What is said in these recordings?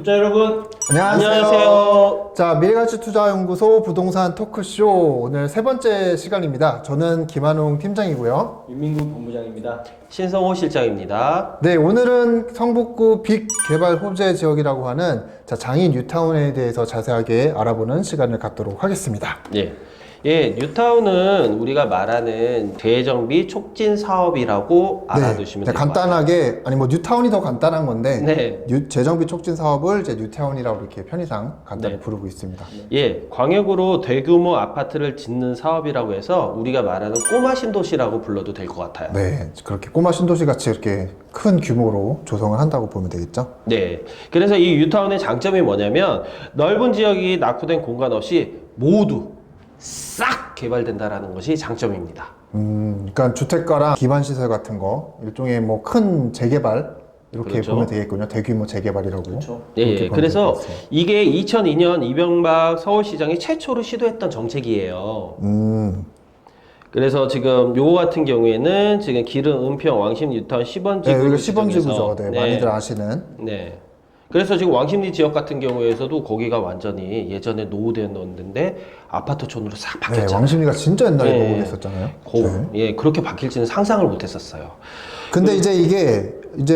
구독자 여러분, 안녕하세요. 자, 미래가치투자연구소 부동산 토크쇼 오늘 세 번째 시간입니다. 저는 김한웅 팀장이고요. 윤민국 본부장입니다. 신성호 실장입니다. 네, 오늘은 성북구 빅 개발 호재 지역이라고 하는 장인 뉴타운에 대해서 자세하게 알아보는 시간을 갖도록 하겠습니다. 뉴타운은 우리가 말하는 재정비 촉진 사업이라고 알아두시면 네, 돼요. 간단하게 뉴타운이 더 간단한 건데 네. 재정비 촉진 사업을 이제 뉴타운이라고 이렇게 편의상 간단히 네. 부르고 있습니다. 광역으로 대규모 아파트를 짓는 사업이라고 해서 우리가 말하는 꼬마 신도시라고 불러도 될 것 같아요. 네, 그렇게 꼬마 신도시 같이 이렇게 큰 규모로 조성을 한다고 보면 되겠죠. 네. 그래서 이 뉴타운의 장점이 뭐냐면 넓은 지역이 낙후된 공간 없이 모두 싹 개발된다라는 것이 장점입니다. 그러니까 주택가랑 기반시설 같은 거 일종의 큰 재개발 이렇게 그렇죠. 보면 되겠군요. 대규모 재개발이라고. 그렇죠. 그렇게 보면 그래서 되겠어요. 이게 2002년 이명박 서울시장이 최초로 시도했던 정책이에요. 그래서 지금 요거 같은 경우에는 지금 기름, 은평, 왕십, 뉴타운, 시번지구. 네, 여기가 시범지구죠. 네, 많이들 아시는. 네. 그래서 지금 왕십리 지역 같은 경우에서도 거기가 완전히 예전에 노후되었는데 아파트촌으로 싹 네, 바뀌었잖아요. 왕십리가 진짜 옛날에 네. 노후됐었잖아요. 그렇게 바뀔지는 상상을 못했었어요. 근데 이제 이게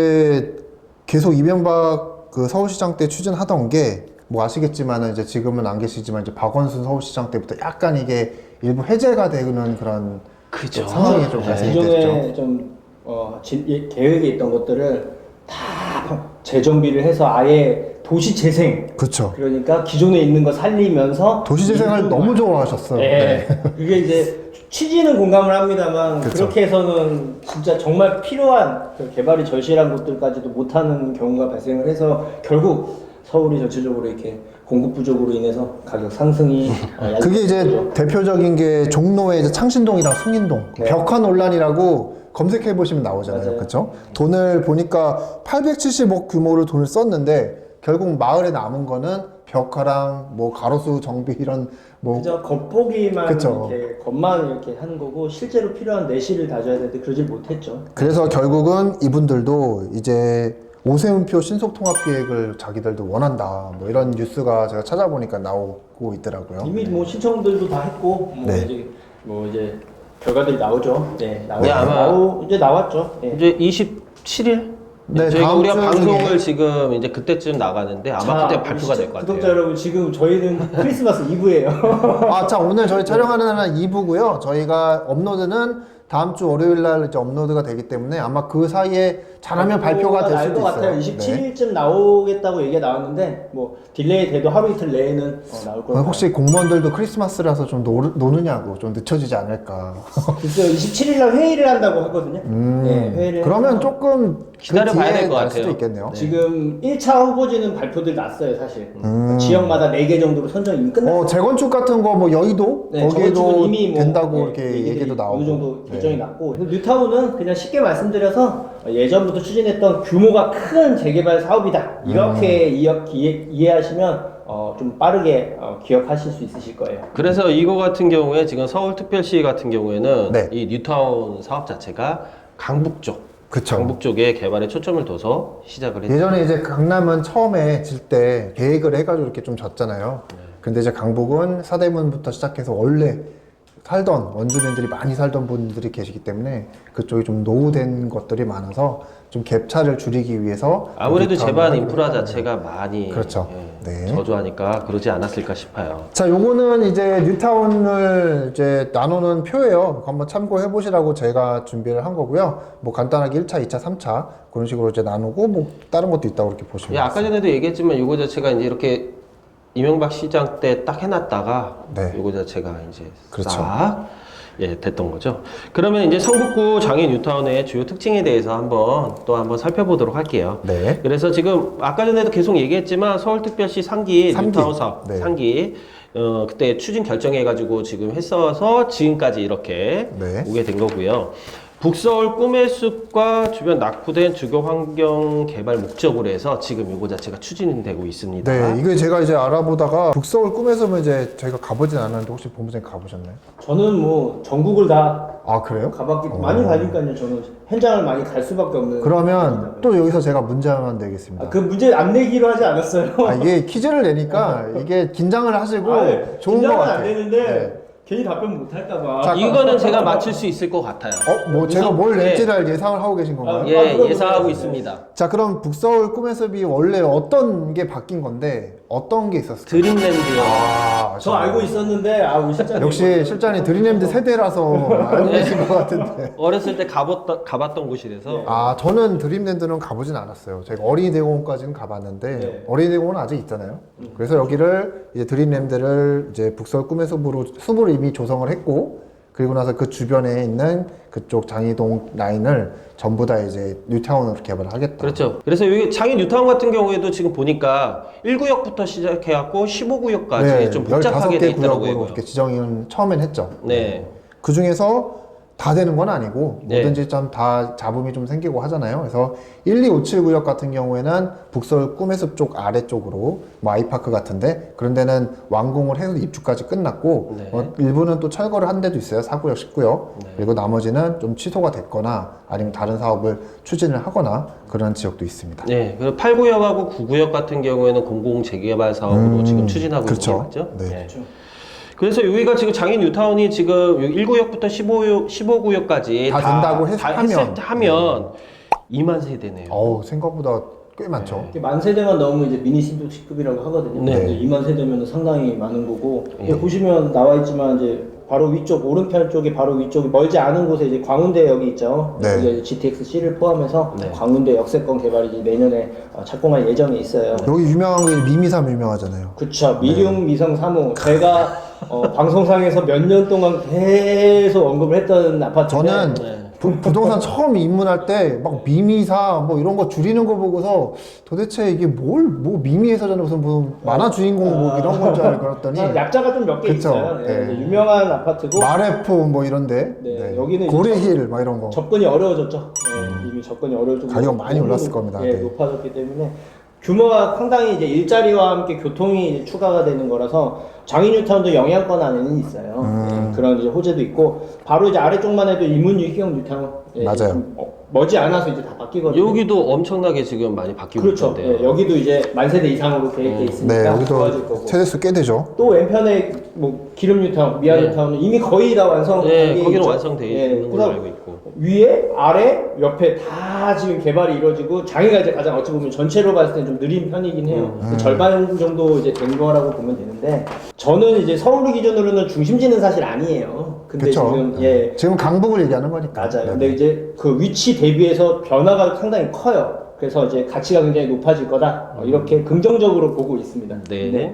계속 이명박 그 서울시장 때 추진하던 게 아시겠지만은 이제 지금은 안 계시지만 이제 박원순 서울시장 때부터 약간 이게 일부 해제가 되는 그런 그죠. 상황이 좀 발생이 됐죠. 기존에 좀 계획에 있던 것들을 다 재정비를 해서 아예 도시 재생. 그렇죠. 그러니까 기존에 있는 거 살리면서 도시재생을 일부 너무 좋아하셨어요. 네. 그게 이제 취지는 공감을 합니다만 그쵸. 그렇게 해서는 진짜 정말 필요한 그 개발이 절실한 곳들까지도 못하는 경우가 발생을 해서 결국 서울이 전체적으로 이렇게 공급 부족으로 인해서 가격 상승이 그게 이제 야기됐죠. 대표적인 게 종로의 이제 창신동이랑 숭인동 네. 벽화 논란이라고 검색해 보시면 나오잖아요. 맞아요. 그렇죠? 돈을 보니까 870억 규모로 돈을 썼는데 결국 마을에 남은 거는 벽화랑 가로수 정비 이런 그저 겉보기만 그쵸. 이렇게 겉만 이렇게 하는 거고 실제로 필요한 내실을 다져야 되는데 그러질 못했죠. 그래서 결국은 이분들도 이제 오세훈표 신속통합계획을 자기들도 원한다 이런 뉴스가 제가 찾아보니까 나오고 있더라고요. 이미 신청들도 다 했고 네. 이제 결과들이 나오죠. 네, 이제 나왔죠. 네. 이제 27일? 네, 저희가 다음 우리가 주 방송을 중에. 지금 이제 그때쯤 나가는데 아마 그때 발표가 될 것 같아요. 구독자 여러분, 지금 저희는 크리스마스 이브예요. 자, 오늘 저희 촬영하는 날은 2부고요. 저희가 업로드는 다음 주 월요일 날 이제 업로드가 되기 때문에 아마 그 사이에 잘하면 발표가 될 수도 것 같아요. 있어요. 27일쯤 나오겠다고 얘기가 나왔는데 딜레이 돼도 하루 이틀 내에는 나올 거예요. 혹시 공무원들도 크리스마스라서 좀 노느냐고 좀 늦춰지지 않을까. 글쎄요, 27일 날 회의를 한다고 하거든요. 네, 회의를 그러면 해서 조금 기다려봐야 그 뒤에 될것 날 같아요. 수도 있겠네요. 지금 1차 후보지는 발표들 났어요, 사실. 지역마다 4개 정도로 선정이 이미 끝났어요. 재건축 같은 거 여의도 네, 거기에도 저건축은 이미 된다고 네, 이렇게 얘기들이 얘기도 나오고. 어느 정도 결정이 네. 났고 뉴타운은 그냥 쉽게 말씀드려서 예전부터 추진했던 규모가 큰 재개발 사업이다 이렇게 이해하시면 좀 빠르게 기억하실 수 있으실 거예요. 그래서 이거 같은 경우에 지금 서울특별시 같은 경우에는 네. 이 뉴타운 사업 자체가 강북 쪽, 그쵸. 강북 쪽에 개발에 초점을 둬서 시작을 했죠. 예전에 이제 강남은 처음에 질 때 계획을 해가지고 이렇게 좀 졌잖아요. 근데 이제 강북은 사대문부터 시작해서 원래 살던 원주민들이 많이 살던 분들이 계시기 때문에 그쪽이 좀 노후된 것들이 많아서 좀 갭차를 줄이기 위해서 아무래도 뉴타운을 제반 하기로 인프라 했다는 자체가 많이 그렇죠. 네. 저조하니까 그러지 않았을까 싶어요. 자, 요거는 이제 뉴타운을 이제 나누는 표예요. 한번 참고해 보시라고 제가 준비를 한 거고요. 간단하게 1차, 2차, 3차 그런 식으로 이제 나누고 다른 것도 있다고 이렇게 보시면 돼요. 아까 전에도 얘기했지만 요거 자체가 이제 이렇게 이명박 시장 때 딱 해놨다가 네. 요거 자체가 이제 그렇죠. 싹 됐던 거죠. 그러면 이제 성북구 장인 뉴타운의 주요 특징에 대해서 한번 살펴보도록 할게요. 네. 그래서 지금 아까 전에도 계속 얘기했지만 서울특별시 상기 상기. 뉴타운 사업 네. 상기 그때 추진 결정해가지고 지금 했어서 지금까지 이렇게 네. 오게 된 거고요. 북서울 꿈의 숲과 주변 낙후된 주거 환경 개발 목적으로 해서 지금 이거 자체가 추진되고 있습니다. 네, 이게 제가 이제 알아보다가 북서울 꿈에서는 이제 저희가 가보진 않았는데 혹시 본부장님 가보셨나요? 저는 뭐 전국을 다 아, 그래요? 가봤기 많이 가니까요. 저는 현장을 많이 갈 수밖에 없는. 그러면 또 여기서 제가 문제 하나 내겠습니다. 그 문제 안 내기로 하지 않았어요. 이게 퀴즈를 내니까 이게 긴장을 하시고 좋은 것 긴장은 같아요. 안 되는데 네. 괜히 답변 못 할까봐. 자, 이거는 제가 맞출 수 있을 것 같아요. 뭐 제가 뭘 예. 낼지를 예상을 하고 계신 건가요? 예, 그럼 예상하고 그럼. 있습니다. 자, 그럼 북서울 꿈의 숲이 원래 어떤 게 바뀐 건데 어떤 게 있었어요? 드림랜드요. 저 알고 있었는데 우리 실장님 역시 실장님 드림랜드 세대라서 알고 계신 것 같은데. 어렸을 때 가봤던 곳이라서 저는 드림랜드는 가보진 않았어요. 제가 어린이대공원까지는 가봤는데 네. 어린이대공원은 아직 있잖아요. 그래서 여기를 이제 드림랜드를 이제 북서울 꿈의 숲으로 이미 조성을 했고, 그리고 나서 그 주변에 있는 그쪽 장이동 라인을 전부 다 이제 뉴타운으로 개발을 하겠다. 그렇죠. 그래서 여기 장인 뉴타운 같은 경우에도 지금 보니까 1구역부터 시작해갖고 15구역까지 좀 복잡하게 돼 15개 있더라고요. 구역으로 이거. 이렇게 지정을 처음엔 했죠. 네. 그 중에서 다 되는 건 아니고 네. 뭐든지 좀 다 잡음이 좀 생기고 하잖아요. 그래서 1, 2, 5, 7 구역 같은 경우에는 북서울 꿈의 숲 쪽 아래쪽으로 뭐 아이파크 같은데 그런 데는 완공을 해서 입주까지 끝났고 네. 일부는 또 철거를 한 데도 있어요. 4구역, 10구역. 네. 그리고 나머지는 좀 취소가 됐거나 아니면 다른 사업을 추진을 하거나 그런 지역도 있습니다. 네. 그리고 8구역하고 9구역 같은 경우에는 공공 재개발 사업으로 지금 추진하고 그렇죠. 있는 거죠. 네. 그래서 여기가 지금 장인 뉴타운이 지금 1구역부터 15구역까지 다 된다고 하면 2만 세대네요. 생각보다 꽤 많죠. 이렇게 만 세대만 넘으면 이제 미니 신도시급이라고 하거든요. 네. 2만 세대면 상당히 많은 거고. 예. 보시면 나와 있지만 이제 바로 위쪽 오른편 쪽에 바로 위쪽에 멀지 않은 곳에 이제 광운대역이 있죠. 네. 이제 GTX-C를 포함해서 네. 광운대 역세권 개발이 이제 내년에 착공할 예정이 있어요. 여기 유명한 게 미미삼 유명하잖아요. 그쵸. 미룡 미성 3호. 제가 방송상에서 몇 년 동안 계속 언급을 했던 아파트인데 저는 네. 부동산 처음 입문할 때 막 미미사 뭐 이런 거 줄이는 거 보고서 도대체 이게 뭐 미미에서잖아 무슨 만화 주인공 뭐 이런 건 줄 알았더니 약자가 좀 몇 개 그쵸. 있어요. 네. 이제 유명한 아파트고 마레포 뭐 이런데 네, 여기는 이제 고래힐 막 이런 거 접근이 어려워졌죠. 네, 이미 접근이 어려워지고 가격 많이 너무 올랐을 겁니다. 예, 네. 높아졌기 때문에 규모가 상당히 이제 일자리와 함께 교통이 이제 추가가 되는 거라서 장인 뉴타운도 영향권 안에는 있어요. 예, 그런 이제 호재도 있고 바로 이제 아래쪽만 해도 이문유 희경 뉴타운 맞아요. 좀, 머지 않아서 이제 다 바뀌거든요. 여기도 엄청나게 지금 많이 바뀌고 그렇죠. 있던데요. 예, 여기도 이제 만 세대 이상으로 계획돼 있으니까 네 좋아질 여기도 거고. 세대수 꽤 되죠. 또 왼편에 뭐 기름 뉴타운, 미아 네. 뉴타운은 이미 거의 다 완성. 네, 단계에 거기는 있죠. 완성돼 예, 있는 걸로 그래서 알고 있고. 위에, 아래, 옆에 다 지금 개발이 이루어지고 장애가 이제 가장 어찌 보면 전체로 봤을 때 좀 느린 편이긴 해요. 절반 정도 이제 된 거라고 보면 되는데 저는 이제 서울 기준으로는 중심지는 사실 아니에요. 근데 그렇죠. 지금 지금 강북을 얘기하는 거니까. 맞아요. 네. 근데 이제 그 위치 대비해서 변화가 상당히 커요. 그래서 이제 가치가 굉장히 높아질 거다. 이렇게 긍정적으로 보고 있습니다. 네.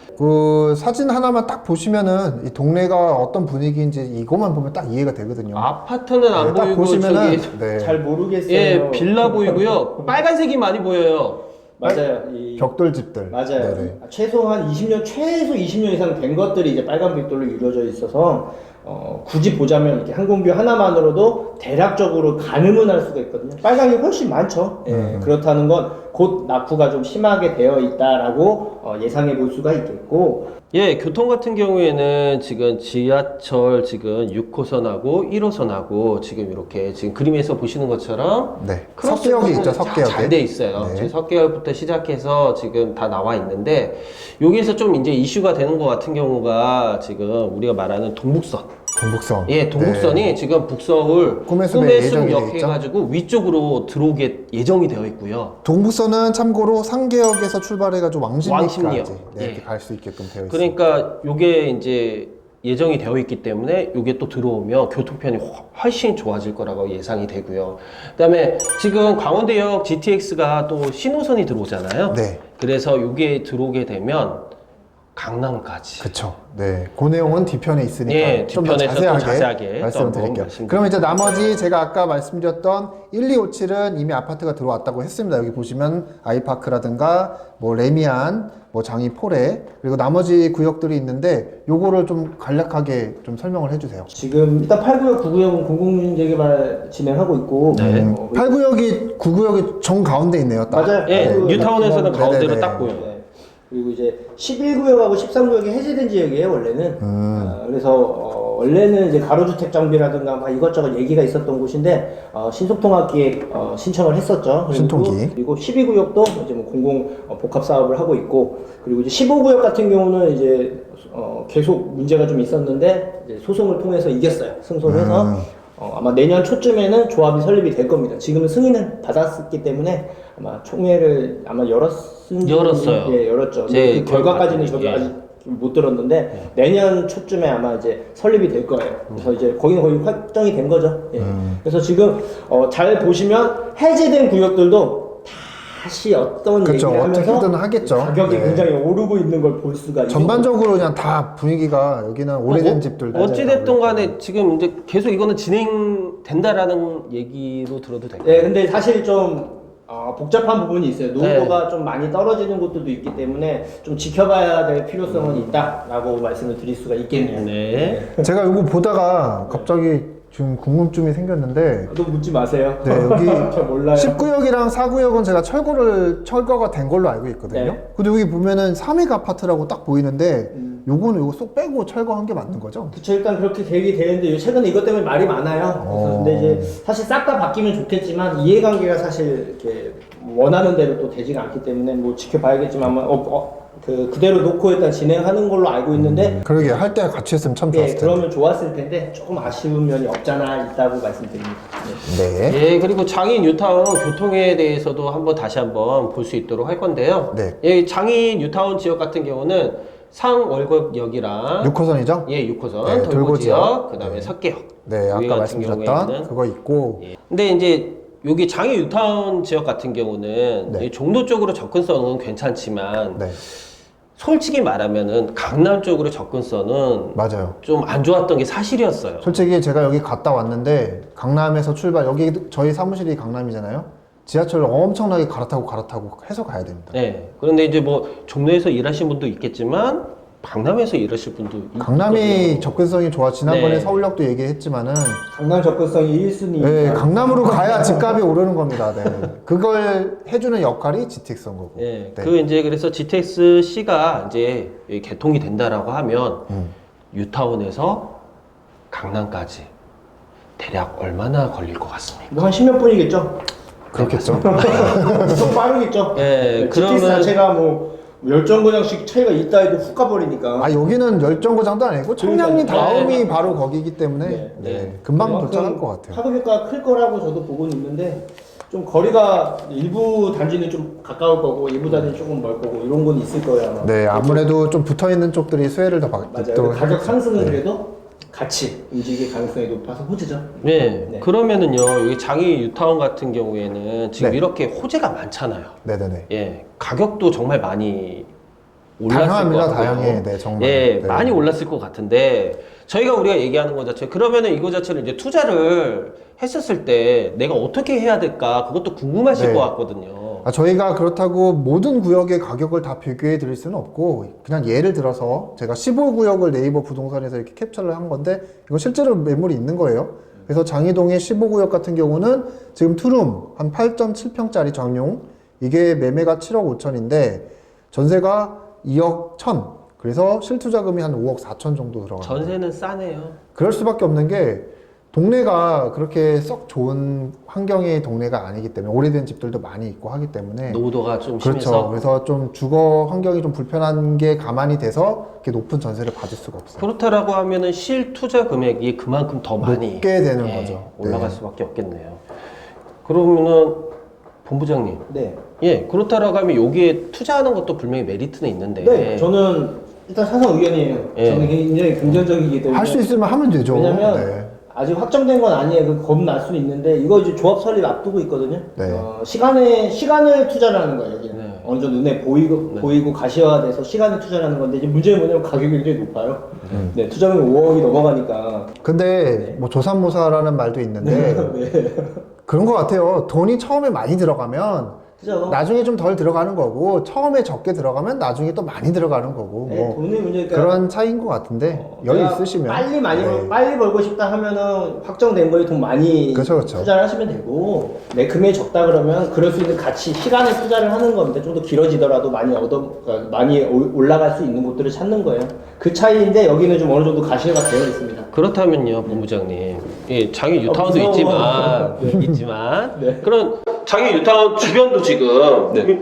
그 사진 하나만 딱 보시면은 이 동네가 어떤 분위기인지 이것만 보면 딱 이해가 되거든요. 아파트는 안 네, 딱 보이고 보시면은 저기 네. 잘 모르겠어요. 예, 빌라 보이고요. 빨간색이 많이 보여요. 맞아요. 이 벽돌 집들. 맞아요. 네네. 최소한 20년, 최소 20년 이상 된 것들이 이제 빨간 벽돌로 이루어져 있어서 굳이 보자면 이렇게 항공뷰 하나만으로도 대략적으로 가늠은 할 수가 있거든요. 빨강이 훨씬 많죠. 예, 그렇다는 건 곧 낙후가 좀 심하게 되어 있다라고 예상해 볼 수가 있겠고. 예, 교통 같은 경우에는 지금 지하철 지금 6호선하고 1호선하고 지금 이렇게 지금 그림에서 보시는 것처럼 네. 크로스 석계역이 있죠. 잘 석계역에. 돼 있어요. 네. 지금 석계역부터 시작해서 지금 다 나와 있는데 여기에서 좀 이제 이슈가 되는 것 같은 경우가 지금 우리가 말하는 동북선. 동북선. 예, 동북선이 네. 지금 북서울 꿈의 숲에 꿈의 예정이 돼 숲역 있죠? 해가지고 위쪽으로 들어오게 예정이 되어 있고요. 동북선은 참고로 상계역에서 출발해가지고 왕십리까지 왕십리역. 네, 이렇게 예. 갈 수 있게끔 되어 있습니다. 그러니까 요게 이제 예정이 되어 있기 때문에 요게 또 들어오면 교통편이 훨씬 좋아질 거라고 예상이 되고요. 그다음에 지금 강원대역 GTX가 또 신호선이 들어오잖아요. 네. 그래서 요게 들어오게 되면 강남까지. 그쵸. 네. 그 내용은 뒤편에 있으니까 예, 좀 더 뒤편에서 또 자세하게 말씀드릴게요. 또 그럼 이제 나머지 제가 아까 말씀드렸던 1257은 이미 아파트가 들어왔다고 했습니다. 여기 보시면 아이파크라든가 뭐 레미안, 뭐 장이 포레 그리고 나머지 구역들이 있는데 요거를 좀 간략하게 좀 설명을 해주세요. 지금 일단 8구역, 9구역은 공공재개발 진행하고 있고 네. 8구역이 9구역이 정 가운데 있네요. 딱. 맞아요. 예, 그 뉴타운에서는 네네네. 가운데로 딱 보여요. 네. 그리고 이제 11구역하고 13구역이 해제된 지역이에요 원래는. 그래서 원래는 이제 가로주택 정비라든가 막 이것저것 얘기가 있었던 곳인데 신속통합기획 신청을 했었죠. 신통기. 그리고 12구역도 이제 뭐 공공 복합 사업을 하고 있고 그리고 이제 15구역 같은 경우는 이제 계속 문제가 좀 있었는데 이제 소송을 통해서 이겼어요. 승소를 해서. 아마 내년 초쯤에는 조합이 설립이 될 겁니다. 지금은 승인을 받았기 때문에 아마 총회를 아마 열었어요. 예, 열었죠. 제 그 결과까지는 기억이 저도 예. 아직 못 들었는데 내년 초쯤에 아마 이제 설립이 될 거예요. 그래서 이제 거기는 거의 확정이 된 거죠. 예. 그래서 지금 잘 보시면 해제된 구역들도 다시 어떤 그쵸, 얘기를 하면서 어떻게든 하겠죠. 가격이 네. 굉장히 오르고 있는 걸 볼 수가 있어요. 전반적으로 그냥 다 분위기가 여기는 오래된 집들 어찌됐든 간에 지금 이제 계속 이거는 진행된다라는 얘기로 들어도 될까요? 네, 근데 사실 좀 복잡한 부분이 있어요. 노후도가 좀 많이 떨어지는 곳들도 있기 때문에 좀 지켜봐야 될 필요성은 있다라고 말씀을 드릴 수가 있겠네요. 네. 제가 이거 보다가 갑자기 지금 궁금증이 생겼는데 또 묻지 마세요. 네, 여기 저 몰라요. 19역이랑 4구역은 제가 철거가 된 걸로 알고 있거든요. 네. 근데 여기 보면은 삼익 아파트라고 딱 보이는데 요거는 요거 쏙 빼고 철거한 게 맞는 거죠? 그쵸, 일단 그렇게 계획이 되는데 최근에 이것 때문에 말이 많아요. 그래서 근데 이제 사실 싹 다 바뀌면 좋겠지만 이해관계가 사실 이렇게 원하는 대로 또 되지가 않기 때문에 뭐 지켜봐야겠지만 그대로 놓고 일단 진행하는 걸로 알고 있는데 그러게 할 때 같이 했으면 참 예, 좋았을 텐데. 그러면 좋았을 텐데 조금 아쉬운 면이 없잖아 있다고 말씀드립니다. 네. 네. 예, 그리고 장인 뉴타운 교통에 대해서도 다시 한번 볼 수 있도록 할 건데요. 네. 예, 장인 뉴타운 지역 같은 경우는 상월곡역이랑 6호선이죠? 예, 6호선 네, 돌고 돌고 지역, 지역. 그다음에 네. 석계역. 네, 여기 아까 같은 말씀드렸던 경우에는 그거 있고 예. 근데 이제 여기 장인 뉴타운 지역 같은 경우는 네. 이 종로 쪽으로 접근성은 괜찮지만 네, 솔직히 말하면은 강남 쪽으로 접근성은 맞아요. 좀 안 좋았던 게 사실이었어요. 솔직히 제가 여기 갔다 왔는데 강남에서 출발 여기 저희 사무실이 강남이잖아요. 지하철을 엄청나게 갈아타고 해서 가야 됩니다. 네. 그런데 이제 뭐 종로에서 일하신 분도 있겠지만 강남에서 일하실 분도 강남이 있거든요. 접근성이 좋아. 지난번에 네. 서울역도 얘기했지만은 강남 접근성이 1순위. 네, 강남으로 가야 집값이 오르는 겁니다. 네. 그걸 해주는 역할이 GTX인 거고. 네. 네. 그 이제 그래서 GTX-C가 이제 개통이 된다라고 하면 뉴타운에서 강남까지 대략 얼마나 걸릴 것 같습니까? 뭐 한 10몇 분이겠죠? 그렇겠죠. 좀 빠르겠죠? 네, GTX 그러면- 자체가 뭐 열정거장씩 차이가 있다 해도 훅 가버리니까. 아 여기는 열정거장도 아니고 청량리 그러니까요. 다음이 바로 거기이기 때문에 네. 네, 금방 그만큼 도착할 것 같아요. 파급효과가 클 거라고 저도 보고는 있는데 좀 거리가 일부 단지는 좀 가까울 거고 일부 단지는 조금 멀 거고 이런 건 있을 거예요 아마. 네, 아무래도 좀 붙어 있는 쪽들이 수혜를 더 맞아요. 받도록 가격 하겠죠. 상승은 네. 그래도 같이 움직일 가능성이 높아서 호재죠. 네. 네. 그러면은요, 여기 장이 뉴타운 같은 경우에는 지금 네. 이렇게 호재가 많잖아요. 네네네. 예. 가격도 정말 많이 올랐을 다양합니다. 것 같고요. 다양해. 네, 정말. 예, 네. 많이 올랐을 것 같은데 우리가 얘기하는 것 자체 그러면은 이거 자체를 이제 투자를 했었을 때 내가 어떻게 해야 될까 그것도 궁금하실 네. 것 같거든요. 아, 저희가 그렇다고 모든 구역의 가격을 다 비교해 드릴 수는 없고 그냥 예를 들어서 제가 15구역을 네이버 부동산에서 이렇게 캡처를 한 건데 이거 실제로 매물이 있는 거예요. 그래서 장이동의 15구역 같은 경우는 지금 투룸 한 8.7평짜리 전용 이게 매매가 7억 5천인데 전세가 2억 1천 그래서 실투자금이 한 5억 4천 정도 들어가요. 전세는 싸네요. 그럴 수밖에 없는 게 동네가 그렇게 썩 좋은 환경의 동네가 아니기 때문에 오래된 집들도 많이 있고 하기 때문에 노후도가 좀 그렇죠. 심해서 그래서 좀 주거 환경이 좀 불편한 게 가만히 돼서 이렇게 높은 전세를 받을 수가 없어요. 그렇다라고 하면은 실투자 금액이 그만큼 더 많이 높게 되는 예, 거죠. 올라갈 네. 수밖에 없겠네요. 그러면은 본부장님, 네. 예, 그렇다라고 하면 여기에 투자하는 것도 분명히 메리트는 있는데 네. 저는 일단 사상 의견이에요. 예. 저는 굉장히 긍정적이기 때문에. 할 수 있으면 하면 되죠. 왜냐면 네. 아직 확정된 건 아니에요. 그 겁날 수는 있는데 이거 이제 조합 설립 앞두고 있거든요. 네. 시간을 투자를 하는 거예요. 여기는 네. 어느 정도 눈에 보이고 가시화돼서 시간을 투자를 하는 건데 이제 문제는 뭐냐면 가격이 굉장히 높아요. 네, 투자금이 5억이 넘어가니까. 근데 뭐 조삼모사라는 말도 있는데 네. 그런 것 같아요. 돈이 처음에 많이 들어가면 그죠? 나중에 좀 덜 들어가는 거고 처음에 적게 들어가면 나중에 또 많이 들어가는 거고 네, 뭐 돈의 문제니까. 그런 차이인 것 같은데 여유 내가 있으시면 네. 빨리 벌고 싶다 하면은 확정된 거에 돈 많이 그쵸, 그쵸. 투자를 하시면 되고 내 금액이 적다 그러면 그럴 수 있는 가치 시간을 투자를 하는 겁니다. 좀 더 길어지더라도 그러니까 많이 올라갈 수 있는 곳들을 찾는 거예요. 그 차이인데 여기는 좀 어느 정도 가시화가 되어 있습니다. 그렇다면요, 본부장님. 예, 장애 뉴타운도 무서워. 있지만, 네. 그런 장애 뉴타운 주변도 지금 네.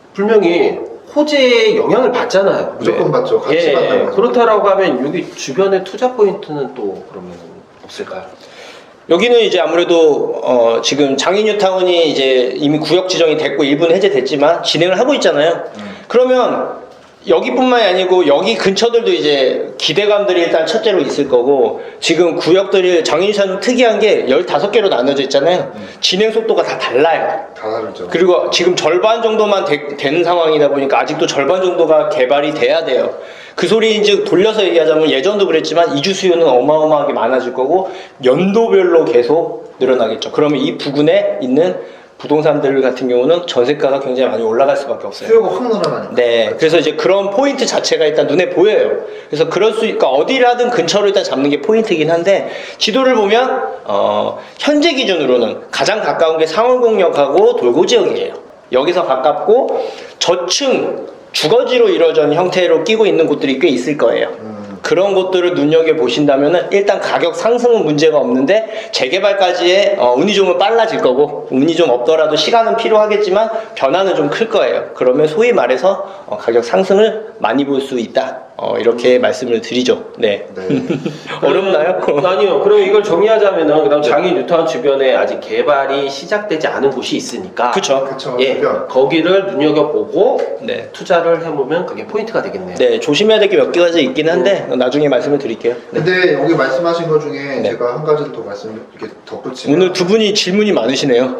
분명히 호재의 영향을 받잖아요. 무조건 받죠. 같이 받는 거죠. 그렇다라고 하면 여기 주변의 투자 포인트는 또 그러면 없을까요? 여기는 이제 아무래도 지금 장인뉴타운이 이제 이미 구역 지정이 됐고 일부는 해제됐지만 진행을 하고 있잖아요. 그러면 여기뿐만이 아니고 여기 근처들도 이제 기대감들이 일단 첫째로 있을 거고 지금 구역들이 장인뉴타운 특이한 게 15개로 나눠져 있잖아요. 진행 속도가 다 달라요. 다 다르죠. 그리고 지금 절반 정도만 되는 상황이다 보니까 아직도 절반 정도가 개발이 돼야 돼요. 그 소리인지 돌려서 얘기하자면 예전도 그랬지만 이주 수요는 어마어마하게 많아질 거고 연도별로 계속 늘어나겠죠. 그러면 이 부근에 있는 부동산들 같은 경우는 전세가가 굉장히 많이 올라갈 수밖에 없어요. 수요가 확 늘어나니까. 네, 그래서 이제 그런 포인트 자체가 일단 눈에 보여요. 그래서 그러니까 어디를 하든 근처로 일단 잡는 게 포인트이긴 한데 지도를 보면 현재 기준으로는 가장 가까운 게 상월공역하고 돌고 지역이에요. 여기서 가깝고 저층 주거지로 이루어진 형태로 끼고 있는 곳들이 꽤 있을 거예요. 그런 것들을 눈여겨보신다면 일단 가격 상승은 문제가 없는데 재개발까지의 운이 좀 빨라질 거고 운이 좀 없더라도 시간은 필요하겠지만 변화는 좀 클 거예요. 그러면 소위 말해서 가격 상승을 많이 볼 수 있다. 이렇게 말씀을 드리죠. 네. 어렵나요? 아니요. 그럼 이걸 정리하자면은 그다음 장애 뉴타운 주변에 아직 개발이 시작되지 않은 곳이 있으니까 그쵸. 그쵸. 예, 주변. 거기를 눈여겨보고 네. 투자를 해보면 그게 포인트가 되겠네요. 네, 조심해야 될 게 몇 가지 있긴 한데 나중에 말씀을 드릴게요. 네. 근데 여기 말씀하신 것 중에 네. 제가 한 가지를 더 이렇게 덧붙이면 오늘 두 분이 질문이 많으시네요.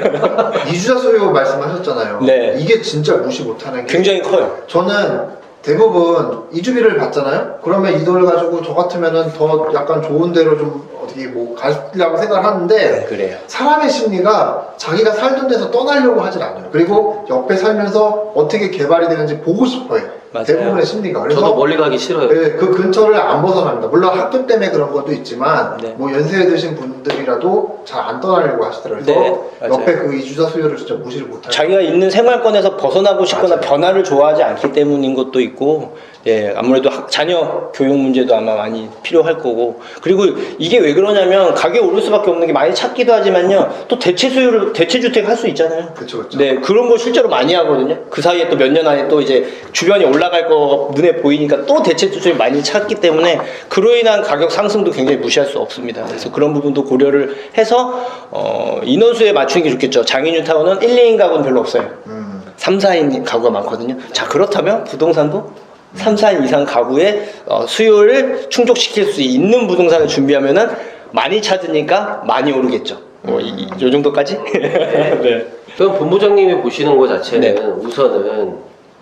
이주자 수요 말씀하셨잖아요. 네. 이게 진짜 무시 못하는 게 굉장히 커요. 저는 대부분 이주비를 받잖아요. 그러면 이 돈을 가지고 저 같으면은 더 약간 좋은 데로 좀 어떻게 뭐 가려고 생각을 하는데 그래요. 사람의 심리가 자기가 살던 데서 떠나려고 하질 않아요. 그리고 옆에 살면서 어떻게 개발이 되는지 보고 싶어요. 맞아요. 대부분의 심리가. 그래서 저도 멀리 가기 싫어요. 네, 그 근처를 안 벗어납니다. 물론 학교 때문에 그런 것도 있지만 네. 뭐 연세에 드신 분들이라도 잘 안 떠나려고 하시더라고요. 그래서 네, 맞아요. 옆에 그 이주자 수요를 진짜 무시를 못해요. 자기가 있는 생활권에서 벗어나고 싶거나 맞아요. 변화를 좋아하지 않기 때문인 것도 있고, 예, 아무래도 자녀 교육 문제도 아마 많이 필요할 거고, 그리고 이게 왜 그러냐면 가격이 오를 수밖에 없는 게 많이 찾기도 하지만요, 또 대체 주택 할 수 있잖아요. 그쵸, 그쵸. 네, 그런 거 실제로 많이 하거든요. 그 사이에 또 몇 년 안에 또 이제 주변이 올라갈 거 눈에 보이니까 또 대체 주택을 많이 찾기 때문에 그로 인한 가격 상승도 굉장히 무시할 수 없습니다. 그래서 그런 부분도 고려를 해서 인원수에 맞추는 게 좋겠죠. 장애뉴타운은 1, 2인 가구는 별로 없어요. 3, 4인 가구가 많거든요. 자, 그렇다면 부동산도 3, 4인 이상 가구의 수요를 충족시킬 수 있는 부동산을 준비하면은 많이 찾으니까 많이 오르겠죠. 요 정도까지? 네. 그럼 본부장님이 보시는 것 자체는 네. 우선은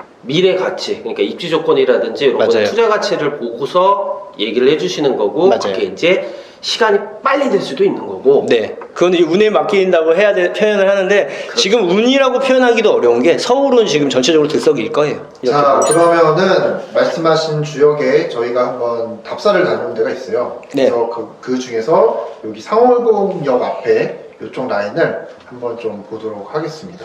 미래 가치, 그러니까 입지 조건이라든지 이런 거 맞아요. 투자 가치를 보고서 얘기를 해주시는 거고, 맞아요. 그게 이제 시간이 빨리 될 수도 있는 거고. 네. 그건 이제 운에 맡긴다고 표현을 하는데, 지금 운이라고 표현하기도 어려운 게 서울은 지금 전체적으로 들썩일 거예요. 자, 그러면은 말씀하신 주역에 저희가 한번 답사를 다녀온 데가 있어요. 네. 그래서 그 중에서 여기 상월공역 앞에 이쪽 라인을 한번 좀 보도록 하겠습니다.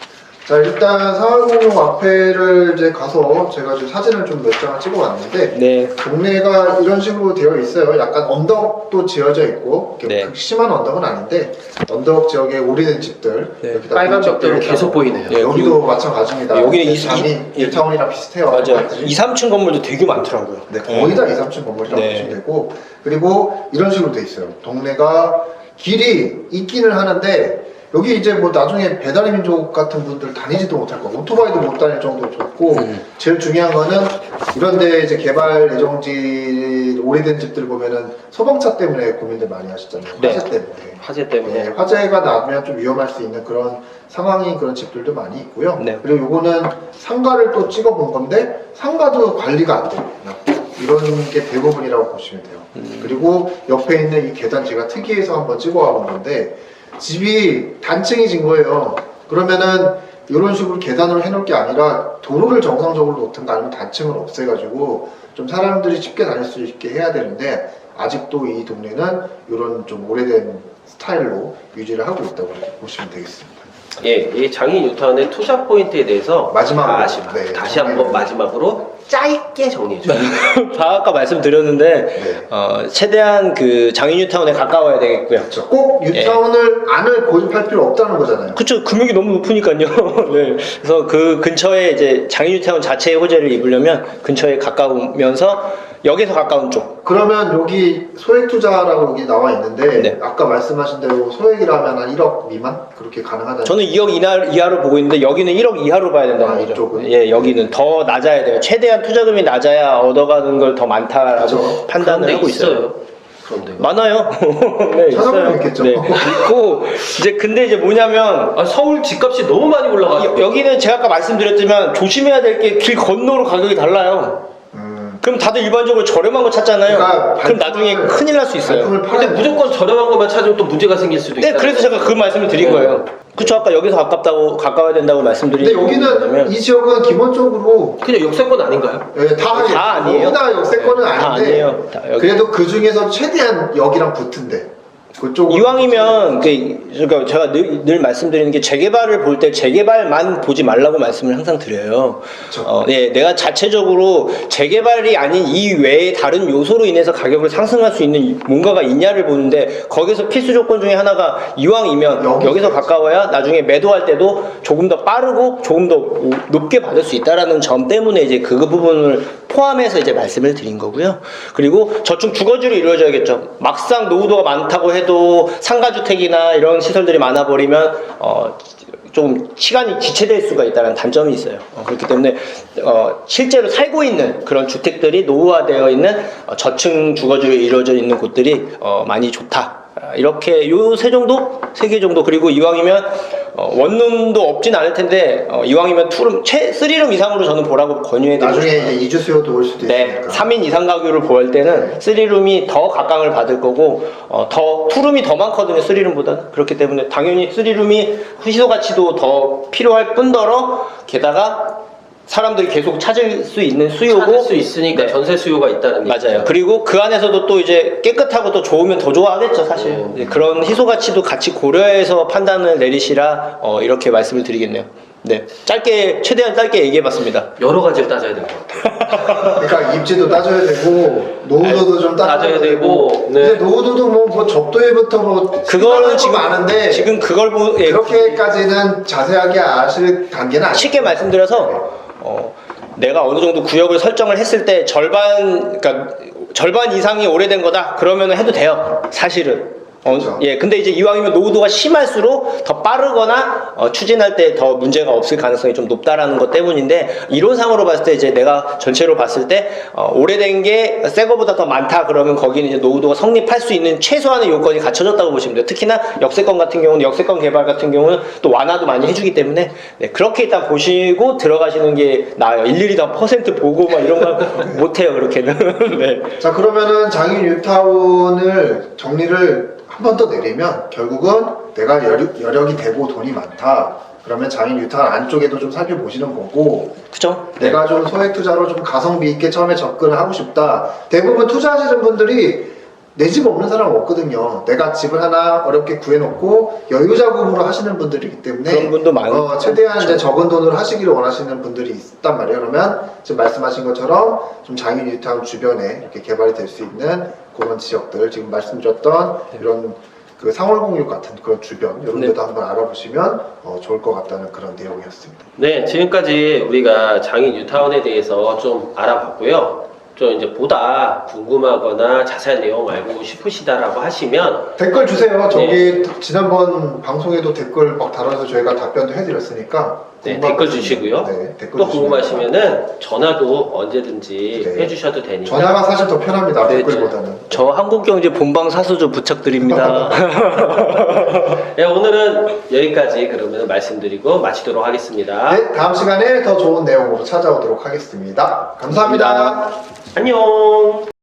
자, 일단 상월공역 앞에를 이제 가서 제가 좀 사진을 좀 몇 장을 찍어 왔는데 네. 동네가 이런 식으로 되어 있어요. 약간 언덕도 지어져 있고 이렇게 네. 극심한 언덕은 아닌데 언덕 지역에 오래된 집들 네. 여기다 빨간 집들이 벽들은 계속 보이네요. 네. 여기도 마찬가지입니다. 여기는 뉴타운이랑 비슷해요. 맞아요. 2, 3층 건물도 되게 많더라고요. 네, 거의 다 2, 3층 건물이라고 네. 보시면 되고, 그리고 이런 식으로 돼 있어요. 동네가 길이 있기는 하는데 여기 이제 뭐 나중에 배달의 민족 같은 분들 다니지도 못할 거고 오토바이도 못 다닐 정도로 좋고 제일 중요한 거는 이런데 이제 개발 예정지 오래된 집들 보면은 소방차 때문에 고민들 많이 하시잖아요. 네. 화재 때문에. 화재 때문에. 네, 화재가 나면 좀 위험할 수 있는 그런 상황인 그런 집들도 많이 있고요. 네. 그리고 요거는 상가를 또 찍어본 건데 상가도 관리가 안 돼요. 이런 게 대부분이라고 보시면 돼요. 그리고 옆에 있는 이 계단 제가 특이해서 한번 찍어와 본 건데 집이 단층이 진 거예요. 그러면은 이런 식으로 계단으로 해놓을 게 아니라 도로를 정상적으로 놓든가 아니면 단층을 없애가지고 좀 사람들이 쉽게 다닐 수 있게 해야 되는데 아직도 이 동네는 이런 좀 오래된 스타일로 유지를 하고 있다고 보시면 되겠습니다. 예, 이 장인 뉴타운의 투자 포인트에 대해서 마지막으로, 네, 다시 한번 마지막으로 짧게 정리해 주세요. 다 아까 말씀드렸는데 네. 최대한 그 장인 뉴타운에 가까워야 되겠고요. 그렇죠. 꼭 뉴타운을 안을 고집할 필요 없다는 거잖아요. 그쵸, 금액이 너무 높으니까요. 네. 그래서 그 근처에 이제 장인 뉴타운 자체의 호재를 입으려면 근처에 가까우면서 역에서 가까운 쪽. 그러면 여기 소액 투자라고 여기 나와 있는데 네. 아까 말씀하신 대로 소액이라면 한 1억 미만 그렇게 가능하다는. 저는 2억 이하로 보고 있는데 여기는 1억 이하로 봐야 된다는 거죠. 이쪽은? 예, 여기는 더 낮아야 돼요. 최대한 투자금이 낮아야 얻어가는 걸 더 많다라고 그렇죠. 판단을 그런 하고 데 있어요. 그런 데가. 많아요. 네, 찾아보면 있어요. 있겠죠. 네, 있고 이제 근데 이제 뭐냐면 아, 서울 집값이 너무 많이 올라가지고 여기는 제가 아까 말씀드렸지만 조심해야 될 게 길 건너로 가격이 달라요. 그럼 다들 일반적으로 저렴한 거 찾잖아요. 그러니까 그럼 나중에 큰일 날 수 있어요. 발품을 근데 팔아야 무조건 저렴한 것만 찾으면 또 문제가 생길 수도 네, 있다. 그래서 제가 그 말씀을 드린 거예요. 그쵸, 아까 여기서 가까워야 된다고 말씀드린 근데 여기는 이 지역은 기본적으로 그냥 역세권 아닌가요? 다 아니에요. 다 역세권은 다 아닌데 아니에요. 다 여기. 그래도 그 중에서 최대한 여기랑 붙은데 그쪽 이왕이면 그러니까 제가 늘 말씀드리는 게 재개발을 볼 때 재개발만 보지 말라고 말씀을 항상 드려요. 그쵸. 네, 내가 자체적으로 재개발이 아닌 이 외에 다른 요소로 인해서 가격을 상승할 수 있는 뭔가가 있냐를 보는데 거기서 필수 조건 중에 하나가 이왕이면 여기서 가까워야 나중에 매도할 때도 조금 더 빠르고 조금 더 높게 받을 수 있다라는 점 때문에 이제 그 부분을 포함해서 이제 말씀을 드린 거고요. 그리고 저축 주거지로 이루어져야겠죠. 막상 노후도가 많다고 해도 상가주택이나 이런 시설들이 많아버리면 좀 시간이 지체될 수가 있다는 단점이 있어요. 그렇기 때문에 실제로 살고 있는 그런 주택들이 노후화되어 있는 저층 주거지로 이루어져 있는 곳들이 많이 좋다. 이렇게 요 세 정도? 3개 정도. 그리고 이왕이면 원룸도 없진 않을 텐데 이왕이면 투룸, 3룸 이상으로 저는 보라고 권유해드리고 나중에 싶어요. 이제 이주 수요도 올 수도 네, 있으니까 3인 이상 가구를 볼 때는 3룸이 더 각광을 받을 거고 더 투룸이 더 많거든요. 3룸보다는. 그렇기 때문에 당연히 3룸이 희소 가치도 더 필요할 뿐더러 게다가 사람들이 계속 찾을 수 있는 수요고 찾을 수 있으니까 네. 전세 수요가 있다는 맞아요. 얘기죠. 그리고 그 안에서도 또 이제 깨끗하고 또 좋으면 더 좋아하겠죠, 사실. 네, 그런 희소 가치도 같이 고려해서 판단을 내리시라 이렇게 말씀을 드리겠네요. 네, 최대한 짧게 얘기해봤습니다. 여러 가지를 따져야 될 것 같아요. 그러니까 입지도 따져야 되고 노후도도 좀 따져야 되고, 네. 근데 노후도도 뭐 접도일부터 뭐 그거는 지금 많은데 지금 그걸 그렇게까지는 자세하게 아실 단계는 아니에요. 쉽게 말씀드려서 내가 어느 정도 구역을 설정을 했을 때 그러니까 절반 이상이 오래된 거다 그러면 해도 돼요, 사실은. 그렇죠. 예, 근데 이제 이왕이면 노후도가 심할수록 더 빠르거나 추진할 때 더 문제가 없을 가능성이 좀 높다라는 것 때문인데 이론상으로 봤을 때 이제 내가 전체로 봤을 때 오래된 게 새 거보다 더 많다 그러면 거기는 이제 노후도가 성립할 수 있는 최소한의 요건이 갖춰졌다고 보시면 돼요. 특히나 역세권 같은 경우는 역세권 개발 같은 경우는 또 완화도 많이 해주기 때문에 네, 그렇게 일단 보시고 들어가시는 게 나아요. 일일이 다 퍼센트 보고 막 이런 거 못해요, 그렇게는. 네. 자, 그러면은 장인 뉴타운을 정리를 한 번 더 내리면 결국은 내가 여력이 되고 돈이 많다 그러면 장인 뉴타운 안쪽에도 좀 살펴보시는 거고 그죠? 내가 좀 소액 투자로 좀 가성비 있게 처음에 접근을 하고 싶다. 대부분 투자하시는 분들이 내 집 없는 사람 없거든요. 내가 집을 하나 어렵게 구해놓고 여유자금으로 하시는 분들이기 때문에 그런 분도 많고 최대한 이제 적은 돈으로 하시기를 원하시는 분들이 있단 말이에요. 그러면 지금 말씀하신 것처럼 좀 장인 뉴타운 주변에 이렇게 개발이 될 수 있는 그런 지역들 지금 말씀드렸던 이런 그 상월공육 같은 그런 주변 이런 데도 한번 알아보시면 좋을 것 같다는 그런 내용이었습니다. 네, 지금까지 우리가 장인 뉴타운에 대해서 좀 알아봤고요. 좀 이제 보다 궁금하거나 자세한 내용 알고 싶으시다라고 하시면 댓글 주세요. 저기 네. 지난번 방송에도 댓글 막 달아서 저희가 답변도 해드렸으니까. 네, 궁금한 댓글 거 주시고요. 네, 댓글 또 주시면 궁금하시면은 전화도 언제든지 네. 해주셔도 되니까. 전화가 사실 더 편합니다. 네, 댓글보다는. 저 한국경제 본방 사수 좀 부탁드립니다. 네, 오늘은 여기까지 그러면 말씀드리고 마치도록 하겠습니다. 네, 다음 시간에 더 좋은 내용으로 찾아오도록 하겠습니다. 감사합니다. 안녕.